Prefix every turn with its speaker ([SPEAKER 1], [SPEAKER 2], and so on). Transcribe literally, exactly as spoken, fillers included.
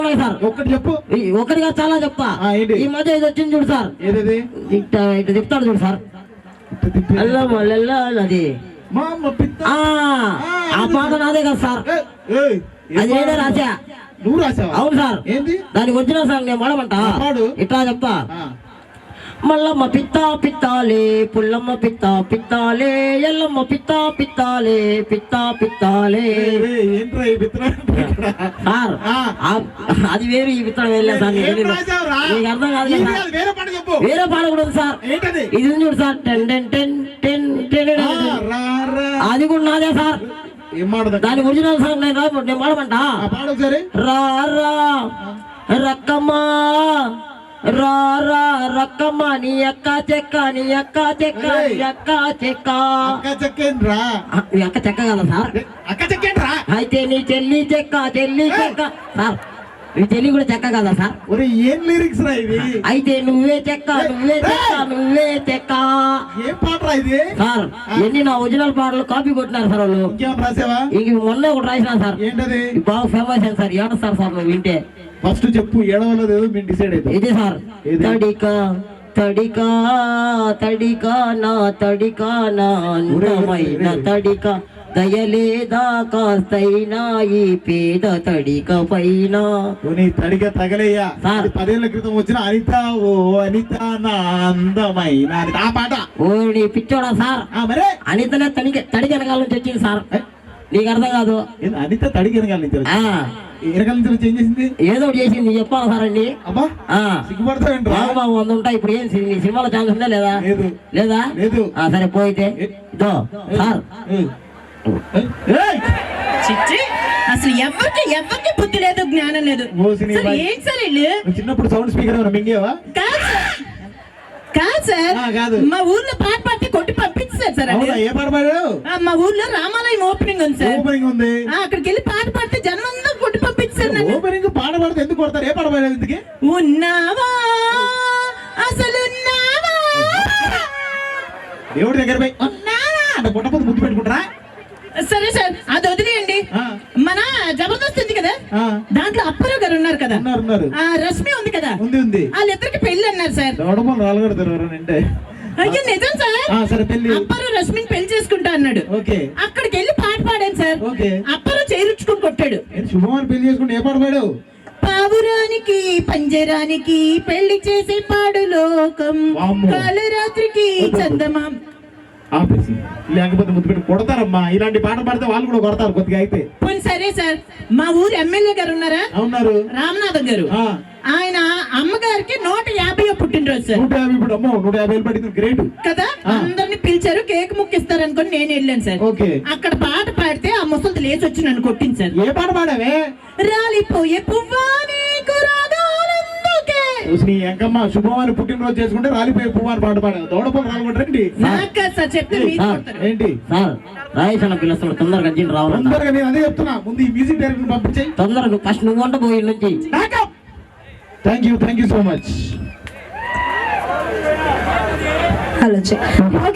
[SPEAKER 1] Sir
[SPEAKER 2] ఒక్కటి చెప్పు.
[SPEAKER 1] ఒకటిగా చాలా చెప్తా. ఈ మధ్య ఇది వచ్చింది చూడు సార్,
[SPEAKER 2] ఏదది
[SPEAKER 1] ఇట్లా ఇట్లా చెప్తాడు చూడు సార్, అది ఆ పాట నాదే కదా సార్, అది నేనే రాసా.
[SPEAKER 2] నువ్వు రాసావా?
[SPEAKER 1] అవును సార్.
[SPEAKER 2] ఏంది
[SPEAKER 1] దానికి ఒరిజినల్ సాంగ్ నేను పాడమంటా, ఇట్లా చెప్తా. మల్లమ్మ పిత్త పిత్తాలే, పుల్లమ్మ పిత్త పిత్తాలే, ఎల్లమ్మ పిత్త పిత్తాలే, పిత్త పిత్తాలే. సార్ అది వేరు, ఈ పిత్తడం వేరే సార్, నీకు అర్థం కాదు. వేరే పాట కూడా ఉంది సార్, ఇది చూడు sir, ten ten ten ten ten, అది కూడా నాదే సార్. దాని ఒరిజినల్ సాంగ్ నేను నేను పాడమంటా. రా రా రక్కమ్మా, రా రా రక్కమ్మ, నీ అక్క చెక్క, నీ అక్క చెక్క, నీ అక్క చెక్క. నీ అక్క చెక్క కదా సార్, అయితే నీ చెల్లి చెక్క, చెల్లి చెక్క సార్. నీ చెల్లి కూడా చెక్క కదా సార్.
[SPEAKER 2] ఏం లిరిక్స్ రా ఇది?
[SPEAKER 1] అయితే నువ్వే చెక్క, నువ్వే చెక్క, నువ్వే చెక్క.
[SPEAKER 2] ఏం పాట రా ఇది
[SPEAKER 1] సార్? ఎన్ని నా ఒరిజినల్ పాటలు కాపీ కొట్టినారు సార్ వాళ్ళు. ఇంక మొన్న ఒకటి రాసినా సార్,
[SPEAKER 2] ఏంటది
[SPEAKER 1] బాగా ఫేమస్ అయింది సార్. ఏడ సార్ సార్ నువ్వు వింటే
[SPEAKER 2] ఫస్ట్ చెప్పు, ఏడవలేదు మేము డిసైడ్ అవుతాం.
[SPEAKER 1] ఇది సార్, తడికా తడికా తడికా నా తడికా నా అందమైన తడిక, దయలేదా కాస్తైనా ఈ పేద తడిక పైన.
[SPEAKER 2] తడిక తగలేయ్యా సార్, పదేళ్ల క్రితం వచ్చిన అనిత ఓ అనిత నా అందమైన ఆ పాట.
[SPEAKER 1] ఓ నీ పిచ్చోడా సార్,
[SPEAKER 2] మరే
[SPEAKER 1] అనితనే తడిక తడిక వెనకాల నుంచి వచ్చింది సార్, నీకు అర్థం కాదు.
[SPEAKER 2] అనిత తడిక వెనకాల నుంచి వెనకాల నుంచి వచ్చి ఏం చేసింది? ఏదో
[SPEAKER 1] చేసింది చెప్పాలి సార్ అండి.
[SPEAKER 2] అబ్బా సిగ్గుపడతావేంట్రా?
[SPEAKER 1] వంద ఉంటాయి. ఇప్పుడు ఏం సినిమాలో ఛాన్స్ ఉందా లేదా? లేదా?
[SPEAKER 2] లేదు.
[SPEAKER 1] సరే పోయితే ఇదో సార్,
[SPEAKER 3] అసలు ఎవరికి ఎవరికి బుద్ధి లేదు, జ్ఞానం లేదు. ఏం సార్
[SPEAKER 2] చిన్నప్పుడు సౌండ్ స్పీకర్ మింగేవా?
[SPEAKER 3] కాదు సార్, మా ఊర్లో పాట పాడితే కొట్టి పంపించారు సార్.
[SPEAKER 2] ఏ పాట పాడారు?
[SPEAKER 3] మా ఊర్లో రామాలయం ఓపెనింగ్ ఉంది సార్.
[SPEAKER 2] ఓపెనింగ్ ఉంది,
[SPEAKER 3] అక్కడికి వెళ్ళి పాట పాడితే జనం అందరూ కొట్టి పంపించారు.
[SPEAKER 2] ఓపెనింగ్ పాట పాడితే ఎందుకు కొడతారు? ఏ పాట పాడారు? ఎందుకు
[SPEAKER 3] ఉన్నావా అసలు
[SPEAKER 2] దేవుడి దగ్గర పోయి ఉన్నావా అంటే పుట్టపోతే ముద్దు పెట్టుకుంటారా?
[SPEAKER 3] సరే సార్, అది వదిలేయండి. మన జబర్దస్త్ ఉంది కదా, దాంట్లో అప్పారావు గారు ఉన్నారు కదా, రష్మి ఉంది కదా, వాళ్ళిద్దరికి పెళ్లి అన్నారు సార్. అయ్యో నిజం సార్, అప్పారావు రష్మిని పెళ్లి చేసుకుంటా అన్నాడు. అక్కడికి వెళ్ళి పాట పాడాను సార్. అప్పారావు చేరుచుకుని కొట్టాడు.
[SPEAKER 2] శుభమని పెళ్లి చేసుకుంటే ఏ పాట పాడావు?
[SPEAKER 3] పావురానికి పంజరానికి పెళ్లి చేసే పాడు లోకం, కాలరాత్రికి చందమాం.
[SPEAKER 2] లేకపోతే ముద్దు పెట్టి కొడతారమ్మా. ఇలాంటి పాట పాడితే వాళ్ళు కూడా కొడతారు కొద్దిగా అయితే.
[SPEAKER 3] సరే సార్, మా ఊరు ఎమ్మెల్యే గారు ఉన్నారా?
[SPEAKER 2] ఉన్నారు,
[SPEAKER 3] రామనాథం గారు. ఆయన అమ్మగారికి నూట యాభై పుట్టినరోజు సార్.
[SPEAKER 2] నూట యాభై ఇప్పుడు అమ్మో నూట యాభై పడింది, గ్రేట్ కదా.
[SPEAKER 3] అందరిని పిలిచారు, కేక్ ముక్కిస్తారు అనుకుని నేను వెళ్ళాను సార్. అక్కడ పాట పాడితే ఆ ముసలి లేచి వచ్చి నన్ను కొట్టింది సార్.
[SPEAKER 2] ఏ పాట పాడావే?
[SPEAKER 3] రాలిపోయే పువ్వా నీకు రాగాలందుకే.
[SPEAKER 2] ఎంకమ్మ శుభవారి పుట్టినరోజు చేసుకుంటే రాలిపోయే పువ్వాని పాట పాడావు. దౌడపల్లి రాలగొట్టండి
[SPEAKER 3] సార్, చెప్తే
[SPEAKER 1] ఏంటి సార్? రాయేసిన పిలుస్తాడు, తొందరగా అర్జెంట్ రావాలి.
[SPEAKER 2] తొందరగా నేను అదే చెప్తున్నా, ముందు ఈ మ్యూజిక్ డైరెక్టర్ పంపించాయి
[SPEAKER 1] తొందరగా. నువ్వు ఫస్ట్ నువ్వు వంట పోయి నుంచి.
[SPEAKER 2] Thank you thank you so much.
[SPEAKER 3] Hello.